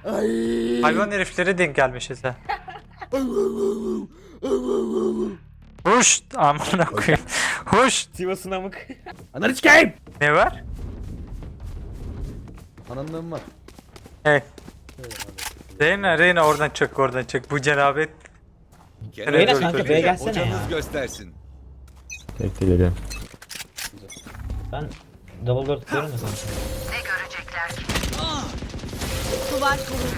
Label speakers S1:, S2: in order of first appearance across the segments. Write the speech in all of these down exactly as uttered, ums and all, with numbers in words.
S1: Ay.
S2: Hayvan heriflere denk gelmişiz ha. Hoş amına koyayım. Hoş.
S3: Sivas'ın amık.
S1: Ananı sikeyim.
S2: Ne var?
S1: Ananlığım var.
S2: Hey. Reyna Reyna oradan çık oradan çık. Bu cenabet.
S3: Reyna
S2: Dur,
S3: kanka
S2: dur,
S3: B'ye
S2: dur.
S3: gelsene ya.
S4: Hocanız göstersin.
S5: Bekle geliyorum.
S3: Ben double door tutuyorum da sana.
S6: Duvar kuruldu.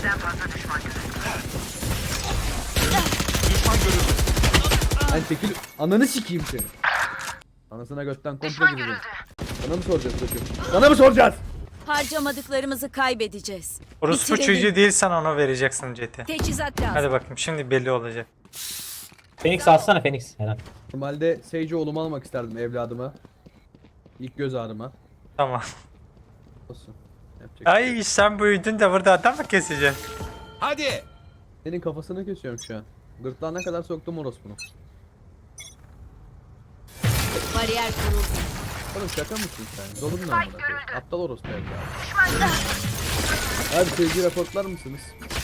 S1: Ben çekil. Ananı sikeyim seni. Anasına götten komple gidiyorum. Sana mı soracağız çocuğum? Sana mı soracağız?
S6: Harcamadıklarımızı kaybedeceğiz.
S2: Orospu
S6: Bitirelim.
S2: çocuğu değilsen ona vereceksin Jet'i.
S6: Teçhizat lazım.
S2: Hadi bakayım şimdi belli olacak.
S3: Phoenix alsana Phoenix. Helal.
S1: Normalde Sage oğlumu almak isterdim evladıma. İlk göz ağrıma.
S2: Tamam.
S1: Olsun. Yapacak bir şey yok.
S2: Ay sen büyüdün de burada adam mı keseceksin?
S4: Hadi.
S1: Senin kafasını kesiyorum şu an. Gırtlağına kadar soktum orospunu.
S6: Bariyer kuruldu.
S1: Oğlum şaka mısın sen? Dolun lan amına koyayım. Aptal orospu evladı. Abi sevgi raportlar mısınız?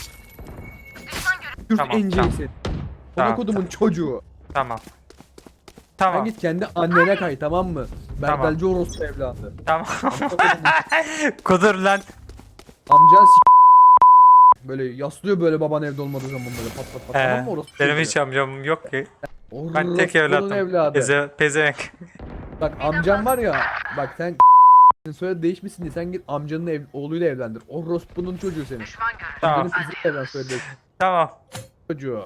S1: Kürt
S2: Tamam,
S1: enceli
S2: tamam.
S1: seni.
S2: Tamam,
S1: Ona kodumun çocuğu.
S2: Tamam.
S1: Sen
S2: Tamam.
S1: git kendi annene kay tamam mı?
S2: Tamam.
S1: Berdelci orospu evladı.
S2: Tamam. Kudur lan.
S1: Amcan s*** böyle yaslıyor böyle baban evde olmadığı zaman böyle pat pat pat tamam
S2: Ee,
S1: mı orospu
S2: benim
S1: çocuğu?
S2: hiç amcam yok ki. Ben tek
S1: Orospunun
S2: evladım.
S1: evladı.
S2: Peze, pezevenk.
S1: Bak amcam var ya bak sen söyle değişmişsin diye sen git amcanın ev, oğluyla evlendir. Orospunun çocuğu senin.
S2: Tamam.
S1: Amcanın kızıyla evlen söyle
S2: Tamam.
S1: çocuğu.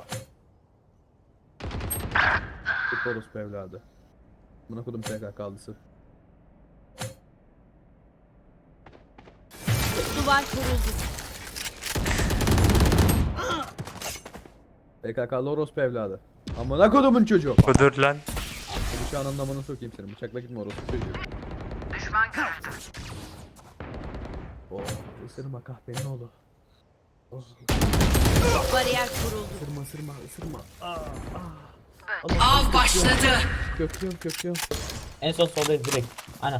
S1: Git orospu evladı. Buna kodum P K K'lısı.
S6: Duvar kuruldu.
S1: P K K'lı orospu evladı. Amına kodumun çocuğu.
S2: Kudur lan.
S1: Hadi şu an anlamını sokayım seni. Bıçakla gitme orospu çocuğu. Düşman görüldü. Oh, ısırma kahpenin oğlu. Oh,
S6: Bariyer kuruldu.
S1: ısırma ısırma ısırma.
S6: Av başladı.
S1: Köklüyorum köklüyorum.
S3: En son soldayız direkt. Aynen.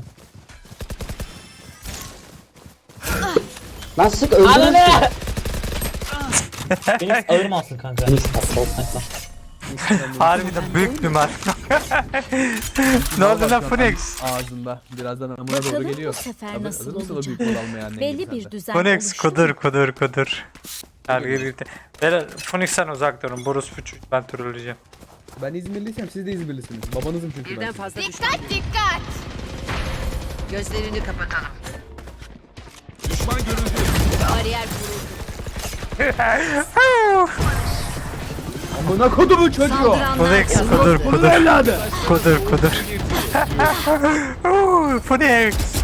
S7: Lan sık öldürürsün.
S3: Ananı! Phoenix ağır mı alsın kanka?
S2: Harbiden büyük bir mark. Ne oldu lan Phoenix?
S1: Ağzında. Birazdan amına doğru
S6: Bakalım
S1: geliyor.
S6: bu sefer
S1: Hazır-
S6: nasıl
S1: hazır mısın o
S6: olacak?
S1: büyük bol almaya annen
S6: Belli
S1: gibi
S6: bir
S1: sende?
S6: düzen
S2: Phoenix
S6: oluştu.
S2: kudur kudur kudur. Her gitti. Beyler Phoenix'ten uzak durun. Boros Fuçuk ben trolleyeceğim.
S1: Ben İzmirliysem siz de İzmirlisiniz. Babanızım çünkü ben.
S8: Birden
S1: sizin.
S8: fazla düşman.
S6: Dikkat dikkat.
S8: Gözlerini kapatalım.
S4: Düşman görüldü.
S6: Bariyer kuruldu.
S1: Amına kodumun çocuğu.
S6: Saldıranlar
S2: Phoenix
S6: kazandı.
S2: kudur
S1: Bunun
S2: kudur.
S1: evladı.
S2: Kudur kudur. Oo, Phoenix.